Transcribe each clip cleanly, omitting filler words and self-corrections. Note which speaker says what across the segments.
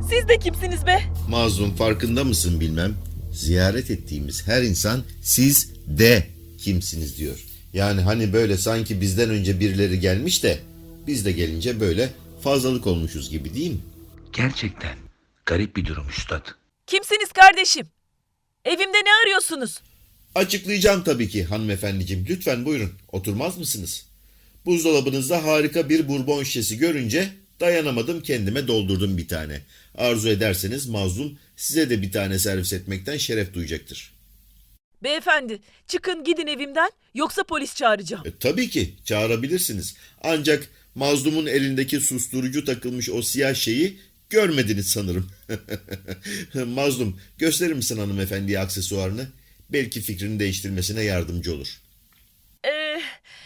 Speaker 1: Siz de kimsiniz be?
Speaker 2: Mazlum, farkında mısın bilmem. Ziyaret ettiğimiz her insan siz de kimsiniz diyor. Yani hani böyle sanki bizden önce birileri gelmiş de biz de gelince böyle fazlalık olmuşuz gibi, değil mi?
Speaker 3: Gerçekten garip bir durum üstad.
Speaker 1: Kimsiniz kardeşim? Evimde ne arıyorsunuz?
Speaker 2: Açıklayacağım tabii ki hanımefendiciğim. Lütfen buyurun. Oturmaz mısınız? Buzdolabınızda harika bir bourbon şişesi görünce dayanamadım, kendime doldurdum bir tane. Arzu ederseniz Mazlum size de bir tane servis etmekten şeref duyacaktır.
Speaker 1: Beyefendi, çıkın gidin evimden, yoksa polis çağıracağım.
Speaker 2: Tabii ki çağırabilirsiniz. Ancak Mazlum'un elindeki susturucu takılmış o siyah şeyi görmediniz sanırım. Mazlum, gösterir misin hanımefendiye aksesuarını? Belki fikrini değiştirmesine yardımcı olur.
Speaker 1: Ee,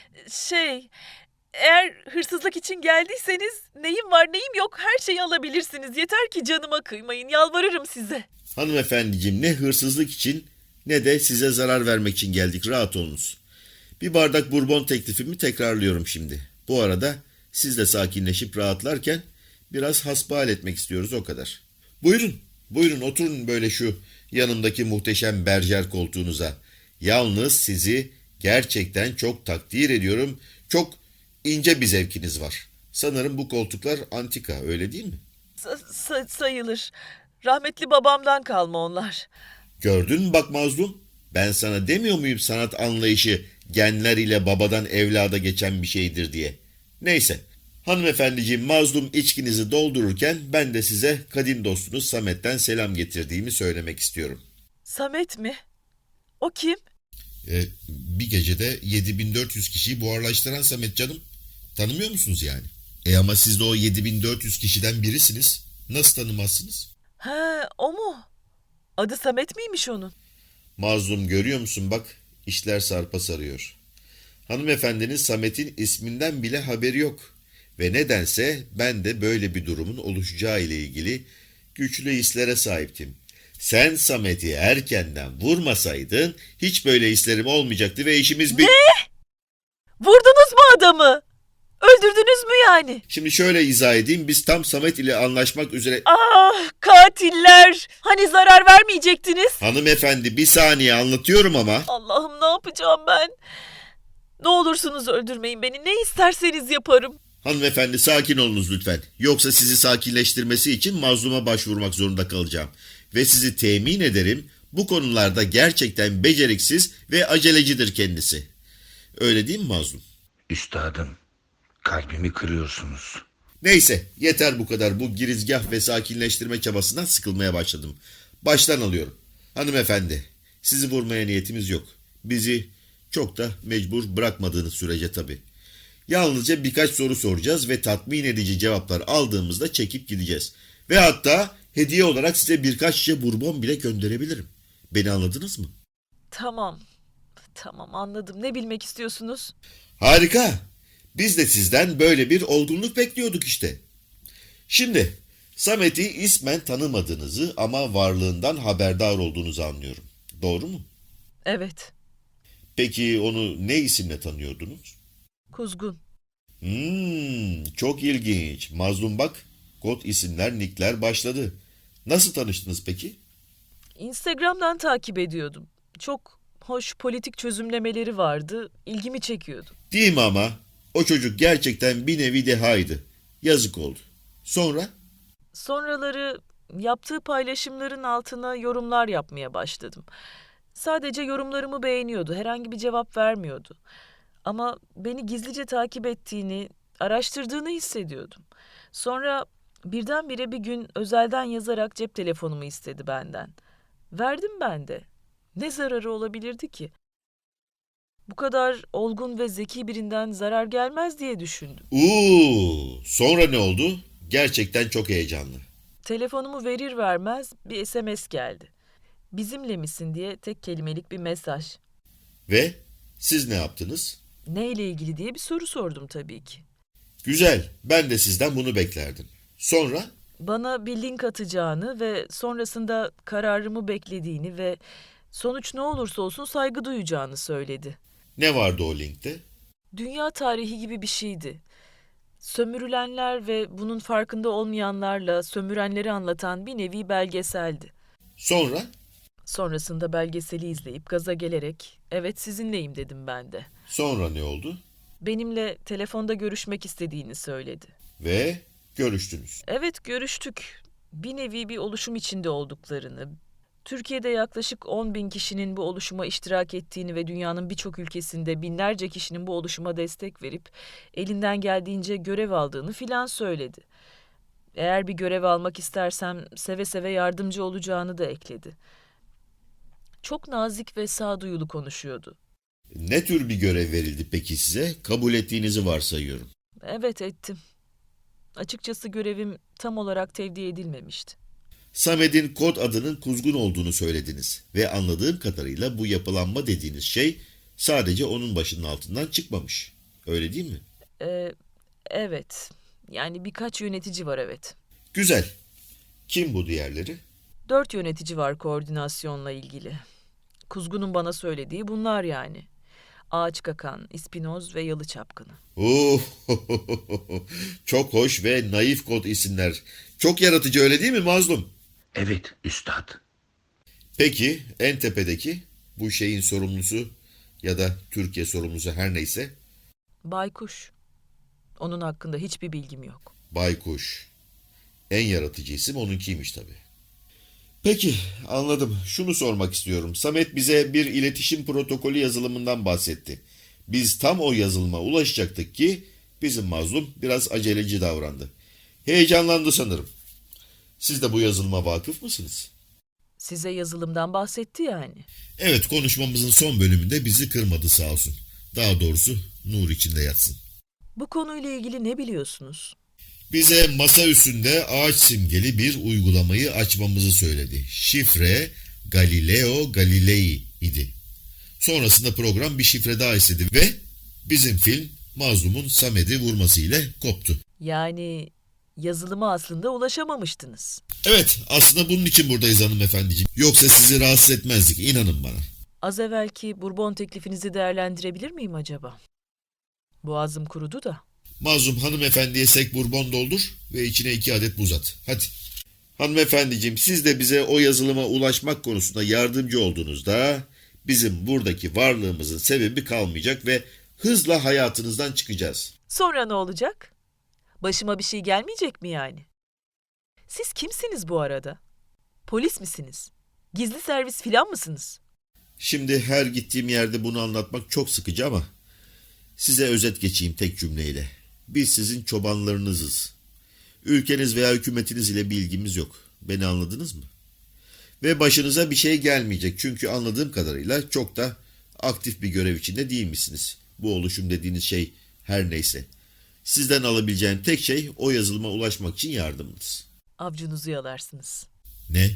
Speaker 1: eğer hırsızlık için geldiyseniz neyim var neyim yok her şeyi alabilirsiniz. Yeter ki canıma kıymayın, yalvarırım size.
Speaker 2: Hanımefendiciğim, ne hırsızlık için ne de size zarar vermek için geldik, rahat olunuz. Bir bardak bourbon teklifimi tekrarlıyorum şimdi. Bu arada siz de sakinleşip rahatlarken biraz hasbihal etmek istiyoruz, o kadar. Buyurun, buyurun oturun böyle şu yanımdaki muhteşem berjer koltuğunuza. Yalnız sizi gerçekten çok takdir ediyorum. Çok ince bir zevkiniz var. Sanırım bu koltuklar antika, öyle değil mi?
Speaker 1: Sayılır. Rahmetli babamdan kalma onlar.
Speaker 2: Gördün mü bak Mazlum? Ben sana demiyor muyum sanat anlayışı genler ile babadan evlada geçen bir şeydir diye. Neyse. Hanımefendiciğim, Mazlum içkinizi doldururken ben de size kadim dostunuz Samet'ten selam getirdiğimi söylemek istiyorum.
Speaker 1: Samet mi? O kim?
Speaker 2: Bir gecede 7400 kişiyi buharlaştıran Samet canım. Tanımıyor musunuz yani? Ama siz de o 7400 kişiden birisiniz. Nasıl tanımazsınız?
Speaker 1: Ha, o mu? Adı Samet miymiş onun?
Speaker 2: Mazlum, görüyor musun bak, işler sarpa sarıyor. Hanımefendinin Samet'in isminden bile haberi yok. Ve nedense ben de böyle bir durumun oluşacağı ile ilgili güçlü hislere sahiptim. Sen Samet'i erkenden vurmasaydın hiç böyle hislerim olmayacaktı ve işimiz bir...
Speaker 1: Vurdunuz mu adamı? Öldürdünüz mü yani?
Speaker 2: Şimdi şöyle izah edeyim, biz tam Samet ile anlaşmak üzere...
Speaker 1: Ah, katiller! Hani zarar vermeyecektiniz?
Speaker 2: Hanımefendi, bir saniye anlatıyorum ama...
Speaker 1: Allah'ım, ne yapacağım ben? Ne olursunuz öldürmeyin beni. Ne isterseniz yaparım.
Speaker 2: Hanımefendi, sakin olunuz lütfen. Yoksa sizi sakinleştirmesi için Mazlum'a başvurmak zorunda kalacağım. Ve sizi temin ederim, bu konularda gerçekten beceriksiz ve acelecidir kendisi. Öyle değil mi Mazlum?
Speaker 3: Üstadım, kalbimi kırıyorsunuz.
Speaker 2: Neyse, yeter bu kadar. Bu girizgah ve sakinleştirme çabasından sıkılmaya başladım. Baştan alıyorum. Hanımefendi, sizi vurmaya niyetimiz yok. Bizi çok da mecbur bırakmadığınız sürece tabii. Yalnızca birkaç soru soracağız ve tatmin edici cevaplar aldığımızda çekip gideceğiz. Ve hatta hediye olarak size birkaç şişe bourbon bile gönderebilirim. Beni anladınız mı?
Speaker 1: Tamam. Tamam, anladım. Ne bilmek istiyorsunuz?
Speaker 2: Harika. Biz de sizden böyle bir olgunluk bekliyorduk işte. Şimdi Samet'i ismen tanımadığınızı ama varlığından haberdar olduğunuzu anlıyorum. Doğru mu?
Speaker 1: Evet.
Speaker 2: Peki onu ne isimle tanıyordunuz?
Speaker 1: Kuzgun.
Speaker 2: Çok ilginç. Mazlum bak, kod isimler, nickler başladı. Nasıl tanıştınız peki?
Speaker 1: Instagram'dan takip ediyordum. Çok hoş politik çözümlemeleri vardı. İlgimi çekiyordu.
Speaker 2: Değil mi ama? O çocuk gerçekten bir nevi dehaydı. Yazık oldu. Sonra?
Speaker 1: Sonraları yaptığı paylaşımların altına yorumlar yapmaya başladım. Sadece yorumlarımı beğeniyordu. Herhangi bir cevap vermiyordu. Ama beni gizlice takip ettiğini, araştırdığını hissediyordum. Sonra birdenbire bir gün özelden yazarak cep telefonumu istedi benden. Verdim ben de. Ne zararı olabilirdi ki? Bu kadar olgun ve zeki birinden zarar gelmez diye düşündüm.
Speaker 2: Sonra ne oldu? Gerçekten çok heyecanlı.
Speaker 1: Telefonumu verir vermez bir SMS geldi. Bizimle misin diye tek kelimelik bir mesaj.
Speaker 2: Ve siz ne yaptınız?
Speaker 1: Neyle ilgili diye bir soru sordum tabii ki.
Speaker 2: Güzel, ben de sizden bunu beklerdim. Sonra?
Speaker 1: Bana bir link atacağını ve sonrasında kararımı beklediğini ve sonuç ne olursa olsun saygı duyacağını söyledi.
Speaker 2: Ne vardı o linkte?
Speaker 1: Dünya tarihi gibi bir şeydi. Sömürülenler ve bunun farkında olmayanlarla sömürenleri anlatan bir nevi belgeseldi.
Speaker 2: Sonra?
Speaker 1: Sonrasında belgeseli izleyip gaza gelerek evet sizinleyim dedim ben de.
Speaker 2: Sonra ne oldu?
Speaker 1: Benimle telefonda görüşmek istediğini söyledi.
Speaker 2: Ve görüştünüz.
Speaker 1: Evet görüştük. Bir nevi bir oluşum içinde olduklarını, Türkiye'de yaklaşık 10 bin kişinin bu oluşuma iştirak ettiğini ve dünyanın birçok ülkesinde binlerce kişinin bu oluşuma destek verip elinden geldiğince görev aldığını filan söyledi. Eğer bir görev almak istersem seve seve yardımcı olacağını da ekledi. Çok nazik ve sağduyulu konuşuyordu.
Speaker 2: Ne tür bir görev verildi peki size? Kabul ettiğinizi varsayıyorum.
Speaker 1: Evet ettim. Açıkçası görevim tam olarak tevdi edilmemişti.
Speaker 2: Samet'in kod adının Kuzgun olduğunu söylediniz ve anladığım kadarıyla bu yapılanma dediğiniz şey sadece onun başının altından çıkmamış. Öyle değil mi?
Speaker 1: Evet. Yani birkaç yönetici var evet.
Speaker 2: Güzel. Kim bu diğerleri?
Speaker 1: 4 yönetici var koordinasyonla ilgili. Kuzgun'un bana söylediği bunlar yani. Ağaç Kakan, İspinoz ve Yalı Çapkını.
Speaker 2: Oo, çok hoş ve naif kod isimler. Çok yaratıcı öyle değil mi Mazlum?
Speaker 3: Evet üstad.
Speaker 2: Peki en tepedeki bu şeyin sorumlusu ya da Türkiye sorumlusu her neyse?
Speaker 1: Baykuş. Onun hakkında hiçbir bilgim yok.
Speaker 2: Baykuş. En yaratıcı isim onunkiymiş tabii. Peki anladım. Şunu sormak istiyorum. Samet bize bir iletişim protokolü yazılımından bahsetti. Biz tam o yazılıma ulaşacaktık ki bizim mazlum biraz aceleci davrandı. Heyecanlandı sanırım. Siz de bu yazılıma vakıf mısınız?
Speaker 1: Size yazılımdan bahsetti yani.
Speaker 2: Evet, konuşmamızın son bölümünde bizi kırmadı sağ olsun. Daha doğrusu nur içinde yatsın.
Speaker 1: Bu konuyla ilgili ne biliyorsunuz?
Speaker 2: Bize masa üstünde ağaç simgeli bir uygulamayı açmamızı söyledi. Şifre Galileo Galilei idi. Sonrasında program bir şifre daha istedi ve bizim film mazlumun Samet'i vurmasıyla koptu.
Speaker 1: Yani yazılıma aslında ulaşamamıştınız.
Speaker 2: Evet, aslında bunun için buradayız hanımefendiciğim. Yoksa sizi rahatsız etmezdik, inanın bana.
Speaker 1: Az evvelki Bourbon teklifinizi değerlendirebilir miyim acaba? Boğazım kurudu da.
Speaker 2: Mazlum hanımefendiye sek bourbon doldur ve içine 2 adet buz at. Hadi. Hanımefendiciğim, siz de bize o yazılıma ulaşmak konusunda yardımcı olduğunuzda bizim buradaki varlığımızın sebebi kalmayacak ve hızla hayatınızdan çıkacağız.
Speaker 1: Sonra ne olacak? Başıma bir şey gelmeyecek mi yani? Siz kimsiniz bu arada? Polis misiniz? Gizli servis filan mısınız?
Speaker 2: Şimdi her gittiğim yerde bunu anlatmak çok sıkıcı ama size özet geçeyim tek cümleyle. Biz sizin çobanlarınızız. Ülkeniz veya hükümetiniz ile bir ilgimiz yok. Beni anladınız mı? Ve başınıza bir şey gelmeyecek. Çünkü anladığım kadarıyla çok da aktif bir görev içinde değilmişsiniz. Bu oluşum dediğiniz şey her neyse. Sizden alabileceğim tek şey o yazılıma ulaşmak için yardımınız.
Speaker 1: Avcunuzu yalarsınız.
Speaker 2: Ne?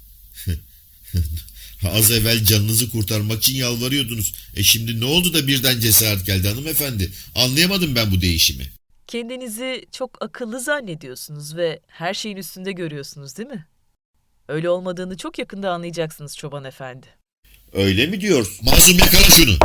Speaker 2: Az evvel canınızı kurtarmak için yalvarıyordunuz. Şimdi ne oldu da birden cesaret geldi hanımefendi? Anlayamadım ben bu değişimi.
Speaker 1: Kendinizi çok akıllı zannediyorsunuz ve her şeyin üstünde görüyorsunuz değil mi? Öyle olmadığını çok yakında anlayacaksınız çoban efendi.
Speaker 2: Öyle mi diyorsun? Mazlum yakala şunu.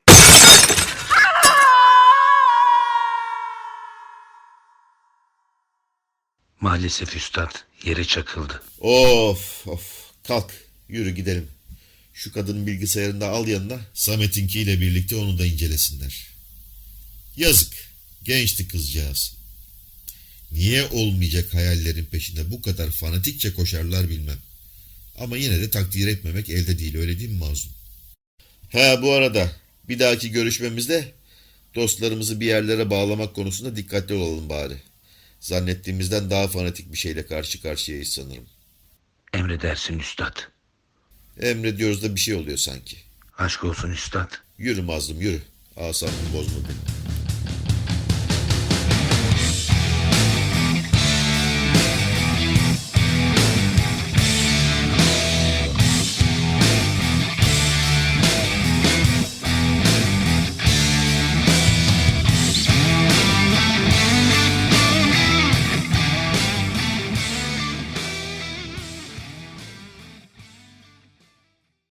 Speaker 3: Maalesef üstad yere çakıldı.
Speaker 2: Of of, kalk yürü gidelim. Şu kadının bilgisayarını da al yanına, Samet'inkiyle birlikte onu da incelesinler. Yazık, gençti kızcağız. Niye olmayacak hayallerin peşinde bu kadar fanatikçe koşarlar bilmem. Ama yine de takdir etmemek elde değil, öyle değil mi Mazlum? Ha, bu arada bir dahaki görüşmemizde dostlarımızı bir yerlere bağlamak konusunda dikkatli olalım bari. Zannettiğimizden daha fanatik bir şeyle karşı karşıyayız sanırım.
Speaker 3: Emredersin üstad.
Speaker 2: Emrediyoruz da bir şey oluyor sanki.
Speaker 3: Aşk olsun üstad.
Speaker 2: Yürü Mazlum yürü. Asabımı bozma beni.